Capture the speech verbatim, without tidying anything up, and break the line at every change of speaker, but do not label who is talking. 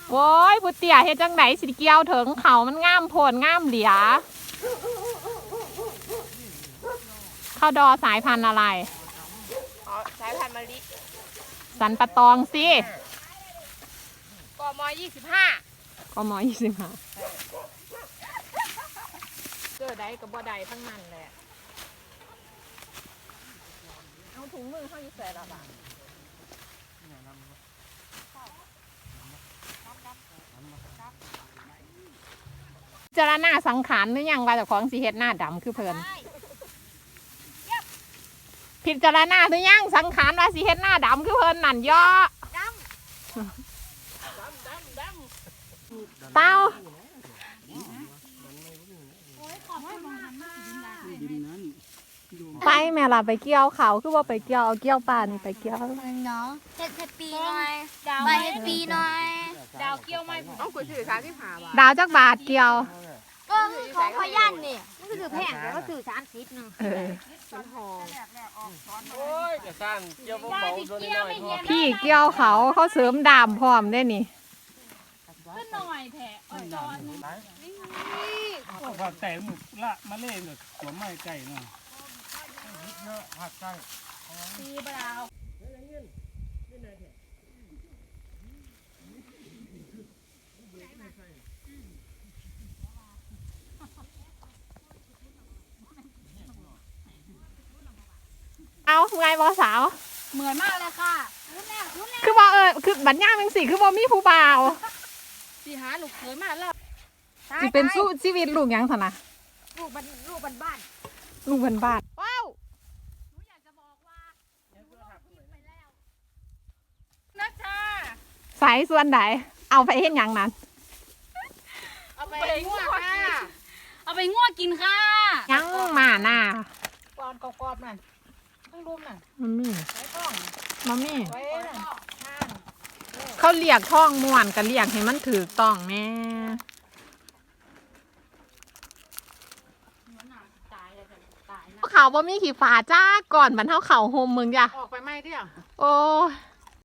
โว้ยผู้เตี้ยเฮ็ดจังไหนสิเกี่ยวถึงเขามันงามโพดงามเหลียข้าวดอสายพันธุ์อะไร
อ๋อสายพันธุ์มะลิ
สันปะตองสิ
กมยี่สิบห้าก
มยี่สิบห้า
เจอใดกับบ่ใดทั้งนั้นแหละเอาถุงมือเข้าอยู่ใส่ละบาท
พิจารณาสังขารหรือยังว่าเจ้าของสีเฮ็ดหน้าดำคือเพิ่นพิจารณาหรือยังสังขารว่าสีเฮ็ดหน้าดำคือเพิ่นนั่นย่อเต้าไปแม่ล่ะไปเกี่ยวเขาคือว่าไปเกี่ยวเอาเกี่ยวป่านี่ไปเกี่ยว
เนาะเฮ็ดเฮ็ดปีหน่อยไปเฮ็ดปีหน่อย
ดาวเกี่ยวไม่ผมต้องคุยถือสามสิบห้าบาท
ดาวจักบาทเกี่ยว
ก็ของพยันนี่มันก็ถือแพงแต่ก็ถือสามสิบนึง
เออ
โอ้ยจะสั้นเกี่ยวเบาๆโดนน้อย
พี่เกี่ยวเขาเขาเสริมดามพร้อมได้นี่
ก็หน่อยแผลอ่อนจอน
ว่าแต่หมึกละมาเล่นหัวไม้ไก่เนาะเยอะหักไก่
ตีเปล่า
เอาไงบอสาว
เหมือนมากเลยค่ะ
คือบอกเออคือบัญญัติเป็นสิคือบอมีผู้บ่าว
สีหาลูกเคยมาแล้ว
สิเป็นสู้ชีวิตลูกยังถนะ
ลูกบ้านลูกบ้านบ้าน
ลูกบ้านบ้าน
ว้าวหนูอยากจะบอกว่าหนูลงทุนไปแล้วนะจ๊ะ
สายส่วนไหนเอาไปเห็นยังนั้น
เอาไปง่วงค่ะ
เอาไปง่วงกินค่ะ
ยังมาหน้า
กรอบกรอบนั่นต้องรุมน่ะ
มันมี
ไว้ต้อง
มันมี
ไว้น่ะ
เขาเรียกท่องม่วนกันเรียกให้มันถือต้องแม่เขาบ่มีขี่ฝาจ้าก่อนบรรเทาเข่าโฮมมึงจ้ะ
ออกไปไหมเที่ย
โอ้